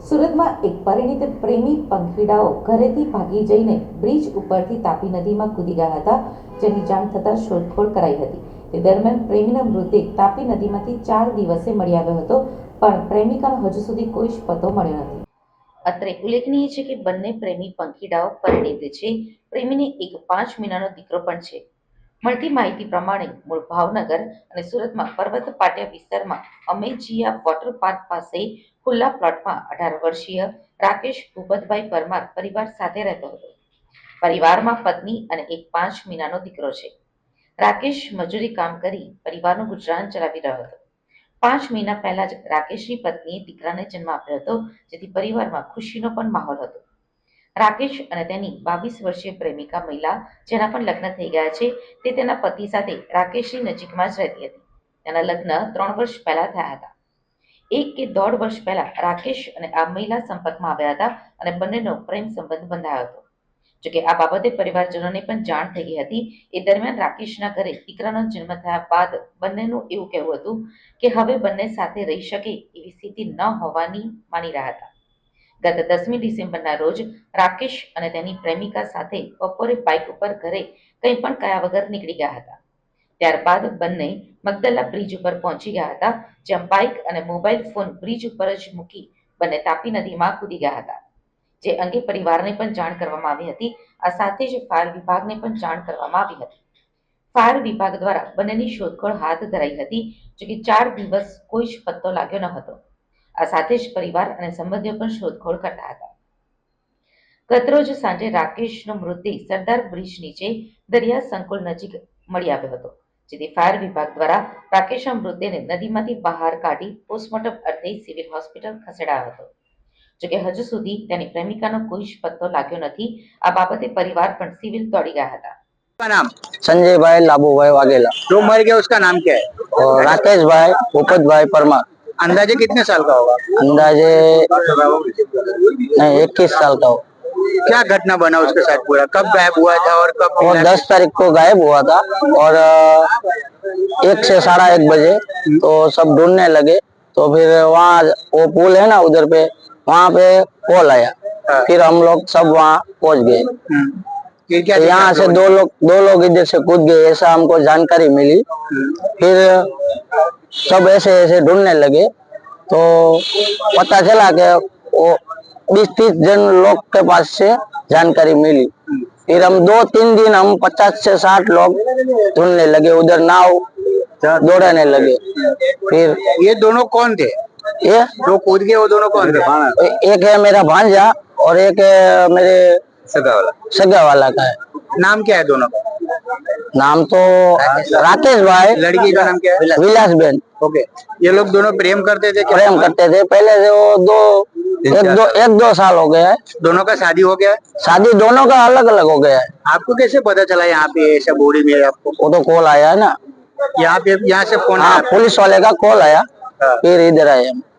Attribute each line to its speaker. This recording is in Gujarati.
Speaker 1: સુરતમાં એક પરિણીત પ્રેમી પંખીડાઓ ઘરેથી ભાગી જઈને બ્રિજ ઉપરથી તાપી નદીમાં કૂદી ગયા હતા, જેની જાણ થતાં શોધખોળ કરાઈ હતી. તે દરમિયાન પ્રેમીનો મૃતદેહ તાપી નદીમાંથી 4 દિવસે મળી આવ્યો હતો, પણ પ્રેમિકાનો હજુ સુધી કોઈ જ પતો મળ્યો નથી. અત્રે ઉલ્લેખનીય છે કે બંને પ્રેમી પંખીડાઓ પરિણીત છે. પ્રેમીને એક 5 મહિનાનો દીકરો પણ છે. મળતી માહિતી પ્રમાણે મૂળ ભાવનગર અને સુરતમાં પર્વત પાટિયા વિસ્તારમાં અમેજીયા વોટર પાર્ક પાસે ખુલ્લા પ્લોટમાં 18 વર્ષીય રાકેશ ભૂપતભાઈ પરમાર પરિવાર સાથે રહેતો હતો. પરિવારમાં પત્ની અને એક 5 મહિનાનો દીકરો છે. રાકેશ મજૂરી કામ કરી પરિવારનું ગુજરાન ચલાવી રહ્યો હતો. 5 મહિના પહેલા જ રાકેશની પત્નીએ દીકરાને જન્મ આપ્યો હતો, જેથી પરિવારમાં ખુશીનો પણ માહોલ હતો. રાકેશ અને તેની 22 વર્ષીય પ્રેમિકા મહિલા, જેના પણ લગ્ન થઈ ગયા છે, તે તેના પતિ સાથે રાકેશની નજીકમાં જ રહેતી હતી. તેના લગ્ન 3 વર્ષ પહેલા થયા હતા. 1 કે 1.5 વર્ષ પહેલા રાકેશ અને આ મહિલા સંપર્કમાં આવ્યા હતા અને બંનેનો પ્રેમ સંબંધ બંધાયો હતો. જોકે આ બાબતે પરિવારજનોને પણ જાણ થઈ ગઈ હતી. એ દરમિયાન રાકેશના ઘરે દીકરાનો જન્મ થયા બાદ બંનેનું એવું કહેવું હતું કે હવે બંને સાથે રહી શકે એવી સ્થિતિ ન હોવાની માની રહ્યા હતા. ગત 10મી ડિસેમ્બરના રોજ રાકેશ અને તેની પ્રેમિકા સાથે બપોરે બાઇક ઉપર ઘરે કંઈ પણ કયા વગર નીકળી ગયા હતા. ત્યારબાદ બંને મગદલા બ્રિજ ઉપર પહોંચી ગયા હતા, જ્યાં બાઇક અને મોબાઈલ ફોન બ્રિજ ઉપર જ મૂકી બંને તાપી નદીમાં કૂદી ગયા હતા. જે અંગે પરિવારને પણ જાણ કરવામાં આવી હતી. આ સાથે જ ફાયર વિભાગને પણ જાણ કરવામાં આવી હતી. ફાયર વિભાગ દ્વારા બંનેની શોધખોળ હાથ ધરાઈ હતી, જોકે 4 દિવસ કોઈ જ પત્તો લાગ્યો ન હતો. આ સાથે જ પરિવાર અને સંબંધીઓ પણ શોધખોળ કરતા હતા. ગતરોજ સાંજે રાકેશનો મૃતદેહ સરદાર બ્રિજ નીચે દરિયા સંકુલ નજીક મળી આવ્યો હતો, જેથી ફાયર વિભાગ દ્વારા રાકેશના મૃતદેહને નદીમાંથી બહાર કાઢી પોસ્ટમોર્ટમ અર્થે સિવિલ હોસ્પિટલ ખસેડાયો હતો. જોકે હજુ સુધી તેની પ્રેમિકાનો કોઈ જ પત્તો લાગ્યો નથી. આ બાબતે પરિવાર પણ સિવિલ દોડી ગયા હતા.
Speaker 2: का नाम?
Speaker 3: संजय भाई लाबू भाई वाघेला
Speaker 2: जो मर गया उसका नाम क्या है?
Speaker 3: और राकेश भाई भूपत भाई परमार।
Speaker 2: अंदाजे कितने साल का होगा?
Speaker 3: अंदाजे नहीं 21 साल का हो।
Speaker 2: क्या घटना बना उसके साथ पूरा? कब गायब हुआ था और कब
Speaker 3: वो
Speaker 2: मिला?
Speaker 3: 10 तारीख को गायब हुआ था और 1 से 1:30 बजे तो सब ढूंढने लगे। तो फिर वहाँ वो पुल है ना उधर पे, वहाँ पे कॉल आया। फिर हम लोग सब वहाँ पहुँच गए।
Speaker 2: फिर क्या
Speaker 3: तो
Speaker 2: देखा
Speaker 3: यहाँ
Speaker 2: आप
Speaker 3: से
Speaker 2: लोगों ने?
Speaker 3: दो लोग इधर से कूद गए, ऐसा हमको जानकारी मिली। फिर सब ऐसे ऐसे ढूंढने लगे तो पता चला कि वो 20-30 जन लोग के पास से जानकारी मिली। फिर हम 2-3 दिन हम 50 से 60 लोग ढूंढने लगे, उधर नाव दौड़ाने लगे। फिर
Speaker 2: ये दोनों कौन थे?
Speaker 3: ये
Speaker 2: जो कूद गए वो दोनों कौन थे?
Speaker 3: एक है मेरा भांजा और एक है मेरे सगा वाला का है।
Speaker 2: नाम क्या है दोनों का?
Speaker 3: नाम तो राकेश भाई,
Speaker 2: लड़की का नाम क्या है?
Speaker 3: विलास बेन।
Speaker 2: ओके, ये लोग दोनों प्रेम करते थे क्या?
Speaker 3: प्रेम करते थे पहले से। वो एक दो साल हो गया है।
Speaker 2: दोनों का शादी हो गया है?
Speaker 3: शादी दोनों का अलग अलग हो गया है।
Speaker 2: आपको कैसे पता चला यहाँ पे ऐसा बोरी में आपको?
Speaker 3: वो तो कॉल आया है ना।
Speaker 2: यहाँ पे यहाँ से फोन
Speaker 3: हाँ,
Speaker 2: आया?
Speaker 3: पुलिस वाले का कॉल आया,
Speaker 2: हाँ।
Speaker 3: फिर इधर आए हम।